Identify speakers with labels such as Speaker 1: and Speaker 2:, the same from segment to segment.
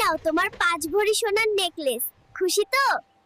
Speaker 1: নাও তোমার 5 ভরি সোনার নেকলেস। খুশি তো?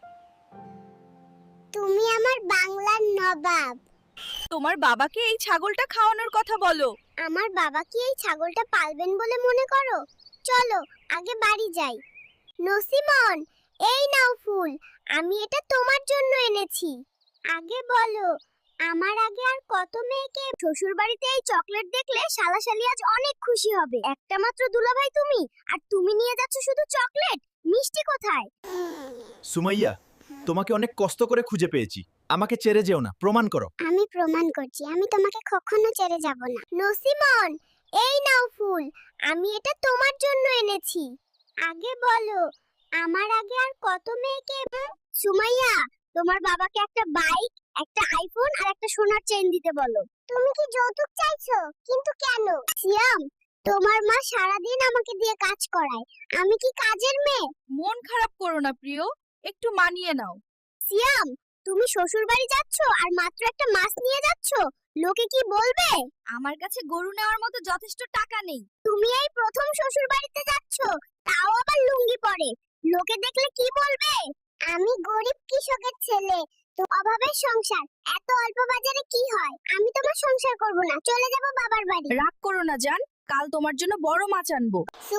Speaker 1: তুমি আমার বাংলার নবাব।
Speaker 2: তোমার বাবাকে এই ছাগলটা খাওয়ানোর কথা বলো।
Speaker 1: আমার বাবা কি এই ছাগলটা পালবেন বলে মনে করো? চলো আগে বাড়ি যাই। নসিমন, এই নাও ফুল, আমি এটা তোমার জন্য এনেছি। আগে বলো, আমার আগে আর কত মেয়েকে শ্বশুর বাড়িতে এই চকলেট দেখলে শালাশালি আজ অনেক খুশি হবে। একটা মাত্র দুলাভাই তুমি, আর তুমি নিয়ে যাচ্ছ শুধু চকলেট। মিষ্টি কোথায়?
Speaker 3: সুমাইয়া, তোমাকে অনেক কষ্ট করে খুঁজে পেয়েছি। আমাকে ছেড়ে যেও না, প্রমাণ করো।
Speaker 1: আমি প্রমাণ করছি, আমি তোমাকে কখনো ছেড়ে যাব না। নসিমন, এই নাও ফুল, আমি এটা তোমার জন্য এনেছি। আগে বলো, আমার আগে আর কত মেয়েকে সুমাইয়া, তোমার বাবাকে একটা বাইক, একটা আইফোন আর একটা সোনার চেইন দিতে বলো। তুমি কি যৌতুক চাইছো? কিন্তু কেন? সিয়াম, তোমার মা সারাদিন আমাকে দিয়ে কাজ করায়। আমি কি কাজের মেয়ে?
Speaker 2: মন খারাপ করো না প্রিয়, একটু মানিয়ে নাও।
Speaker 1: সিয়াম, তুমি শ্বশুর বাড়ি যাচ্ছ আর মাত্র একটা মাছ নিয়ে যাচ্ছ, লোকে কি বলবে?
Speaker 2: আমার কাছে গরু নেওয়ার মতো যথেষ্ট টাকা নেই।
Speaker 1: তুমি এই প্রথম শ্বশুর বাড়িতে যাচ্ছ, তাও আবার লুঙ্গি পরে, লোকে দেখলে কি বলবে? আমি গরিব কৃষকের ছেলে, তো অভাবের সংসার, এত অল্প বাজারে কি হয়? আমি তোমার সংসার করব না, চলে যাব বাবার বাড়ি।
Speaker 2: রাগ করো না জান, কাল তোমার জন্য বড় মাছ আনবো।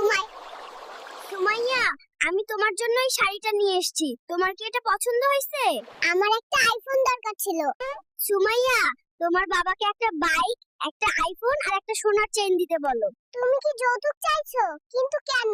Speaker 1: সুমাইয়া, আমি তোমার জন্য এই শাড়িটা নিয়ে এসেছি। তোমার কি এটা পছন্দ হয়েছে? আমার একটা আইফোন দরকার ছিল। সুমাইয়া, তোমার বাবাকে একটা বাইক, একটা আইফোন আর একটা সোনার চেইন দিতে বলো। তুমি কি যৌতুক চাইছো? কিন্তু কেন?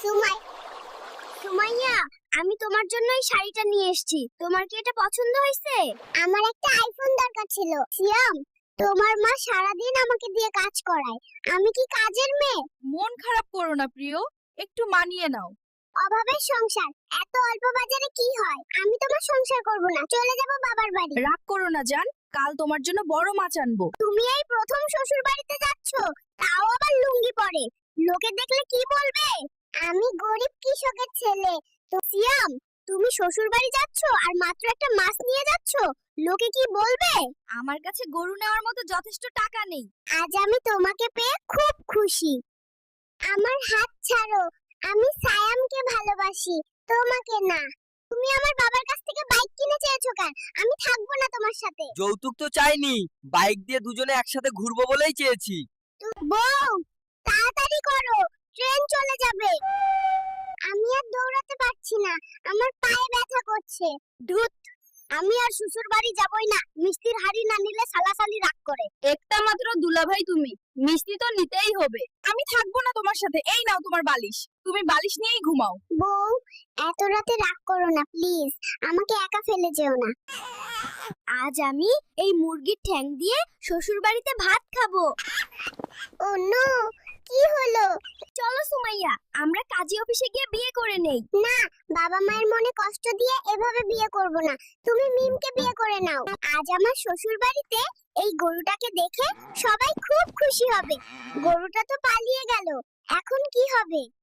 Speaker 1: সুমাইয়া, আমি তোমার জন্য এই শাড়িটা নিয়ে এসেছি। তোমার কি এটা পছন্দ হয়েছে? আমার একটা আইফোন দরকার ছিল। সিয়াম, তোমার মা সারাদিন আমাকে দিয়ে কাজ করায়। আমি কি কাজের মেয়ে?
Speaker 2: মন খারাপ করো না প্রিয়, একটু মানিয়ে নাও।
Speaker 1: অভাবের সংসার, এত অল্প বাজারে কি হয়? আমি তোমার সংসার করব না, চলে যাব বাবার বাড়ি।
Speaker 2: রাগ করো না জান, কাল তোমার জন্য বড় মাছ আনবো।
Speaker 1: তুমি এই প্রথম শ্বশুর বাড়িতে যাচ্ছ, তাও আবার লুঙ্গি পরে, লোকে দেখলে কি বলবে? আমি গরিব কৃষকের ছেলে, তো সিয়াম, তুমি শ্বশুর বাড়ি যাচ্ছ আর মাত্র একটা মাছ নিয়ে যাচ্ছ, লোকে কি বলবে?
Speaker 2: আমার কাছে গরু নেওয়ার মতো যথেষ্ট টাকা নেই।
Speaker 1: আজ আমি তোমাকে পেয়ে খুব খুশি। আমার হাত ছাড়ো, আমি সায়ামকে ভালোবাসি, তোমাকে না। তুমি আমার বাবার কাছ থেকে বাইক কিনে চেয়েছো কেন? আমি থাকবো না তোমার সাথে।
Speaker 4: যৌতুক তো চাইনি, বাইক দিয়ে দুজনে একসাথে ঘুরবো বলেই চেয়েছি।
Speaker 1: বউ, তাড়াতাড়ি করো, ট্রেন চলে যাবে। আমি আর দৌড়াতে পারছি না, আমার পায়ে ব্যথা করছে। ধুত, আমি আর শ্বশুর বাড়ি যাবই না। মিষ্টির হাড়ি না নিলে সালাসালি রাগ করে।
Speaker 2: একটা মাত্র দুলাভাই তুমি, মিষ্টি তো নিতেই হবে। আমি থাকবো না তোমার সাথে। এই নাও তোমার বালিশ, তুমি বালিশ নিয়েই ঘুমাও।
Speaker 1: বউ, এত রাতে রাগ করো না প্লিজ, আমাকে একা ফেলে যেও না। আজ আমি এই মুরগির ঠ্যাং দিয়ে শ্বশুর বাড়িতে ভাত খাবো। ও নো, কি হলো? চলো সুমাইয়া, আমরা কাজী অফিসে গিয়ে বিয়ে করে নেই। না, বাবা মায়ের মনে কষ্ট দিয়ে এভাবে বিয়ে করব না। তুমি মিমকে বিয়ে করে নাও। আজ আমার শ্বশুর বাড়িতে এই গরুটাকে দেখে সবাই খুব খুশি হবে। গরুটা তো পালিয়ে গেল, এখন কি হবে?